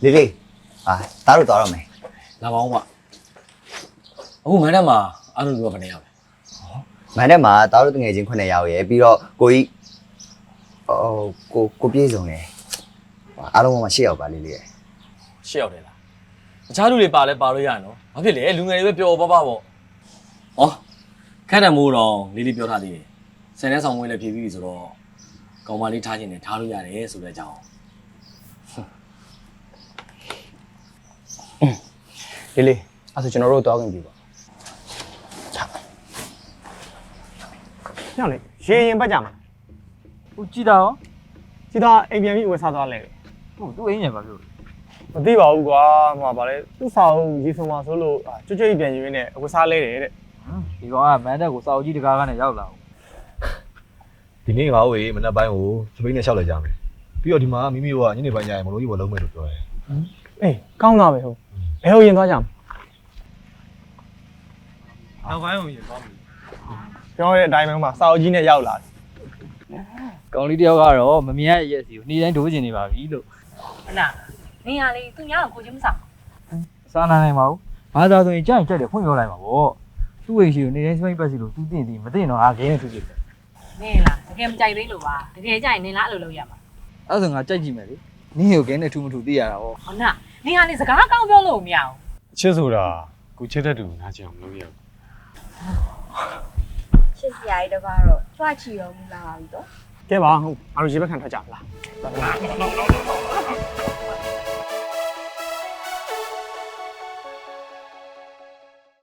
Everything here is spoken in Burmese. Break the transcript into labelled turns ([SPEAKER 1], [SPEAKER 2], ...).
[SPEAKER 1] လေးလေးတားတို့သွားတော့မယ်
[SPEAKER 2] လာပါအောင်ပါအခုမန်းတက်မှာအားလုံးပြောဘယ်နေရောက်လဲ
[SPEAKER 1] မန်တဲ့မှာတားတို့တငယ်ချင်း9ယောက်ရယ်ပြီးတော့ကိုကြီးကိုပြေးစုံတယ်အားလုံးမှာ10ယောက်ပါလေးလေးရယ်
[SPEAKER 2] ရှေ့ရောက်တယ်လားတခြားလူတွေပါလဲပါလို့ရရနော်ဘာဖြစ်လဲလူငယ်တွေပဲပျော်ပါပေါ့ဩခက်တယ်မိုးတော့လေးလေးပြောထားသေးတယ်ဆယ်နဲ့ဆောင်ဝင်လည်းဖြည့်ပြီးပြီဆိုတော့ကောင်မလေးထားခြင်းနဲ့ထားလို့ရတယ်ဆိုတဲ့အကြောင်း
[SPEAKER 3] လေးလေးအဲ့ဆိုကျွန်တော်တို့တောင်းခင်ပြီပါညောင်လေရေရင်ပတ်ကြမှာ
[SPEAKER 4] ဟိုကြည်တာရော
[SPEAKER 3] စီတာအိမ်ပြန်ပြီးဝယ်စားသွားလဲ
[SPEAKER 4] ဟုတ်သူ့အိမ်ညံပါပြော
[SPEAKER 3] မသိပါဘူးကွာဟိုမှာဗာလဲသူ့စာအုပ်ရေဆုံမှာဆိုလို့ကျွတ်ကျွတ်ပြန်ယူရင်းနဲ့ဝယ်စားလဲတယ်တဲ့
[SPEAKER 4] ဒီကောင်ကမန်းတက်ကိုစာအုပ်ကြီးတကားကနေရောက်လာအောင်
[SPEAKER 5] ဒီနေ့ငါ့ဝေမနက်ပိုင်းကိုစပိန်နဲ့ရှောက်လိုက်ကြမယ်ပြီးတော့ဒီမှာမိမိတို့ကညနေပိုင်းကျရင်မလို့ကြီးဝယ်လုံးမယ်လို့ပြောတယ်
[SPEAKER 3] အေးကောင်းတာပဲဟုတ်ဘယ်ဟိုရင်သွားကြမှာ
[SPEAKER 4] နောက်ပိုင်းကိုရင်သွားပြီ
[SPEAKER 3] ကျွန်တော်ရဲ့အတိုင်းပဲမှာစာအုပ်ကြီးနဲ့ရောက်လာတယ်
[SPEAKER 4] ကောင်လေးတယောက်ကတော့မမြင်ရရဲ့စီကိုနေ့တိုင်းဒိုးကျင်နေပါပြီလို့
[SPEAKER 6] ဟုတ်လားနေရလေသူများတော့ကိုချင်းမစား
[SPEAKER 4] စားနိုင်ပါဘူးဘာသာဆိုရင်ကြိုက်ကြက်တယ်ဖွင့်ပြောလိုက်ပါဗောသူ့အိမ်ရှိကိုနေ့တိုင်းစပိန်ပတ်စီလို့သူသိမသိတော့အားခင်းနေသူကြည့်တယ်
[SPEAKER 6] နေလားတကယ်မကြိုက်သေးလို့ပါတကယ်ကြိုက်ရင်နေလားအဲ့လိုလုပ်ရမှာ
[SPEAKER 4] အဲ့ဆိုငါကြိုက်ကြည့်မယ်လေနင်းကိုခင်းနေထူမထူသိရတာဗော
[SPEAKER 6] ဟုတ်လားနေရလေစကားကောင်းပြောလို့မရဘူး
[SPEAKER 3] ချစ်ဆိုတာကိုချစ်တဲ့သူနားချင်အောင်လုပ်ရအောင်
[SPEAKER 7] ရှစ်စရာကြီးတပါတော့ကြွချီတော့မလာပါဘူးတော့
[SPEAKER 3] ကဲပါဟုတ်အားလို့ရေဘက်ခံထွက်ကြပါလား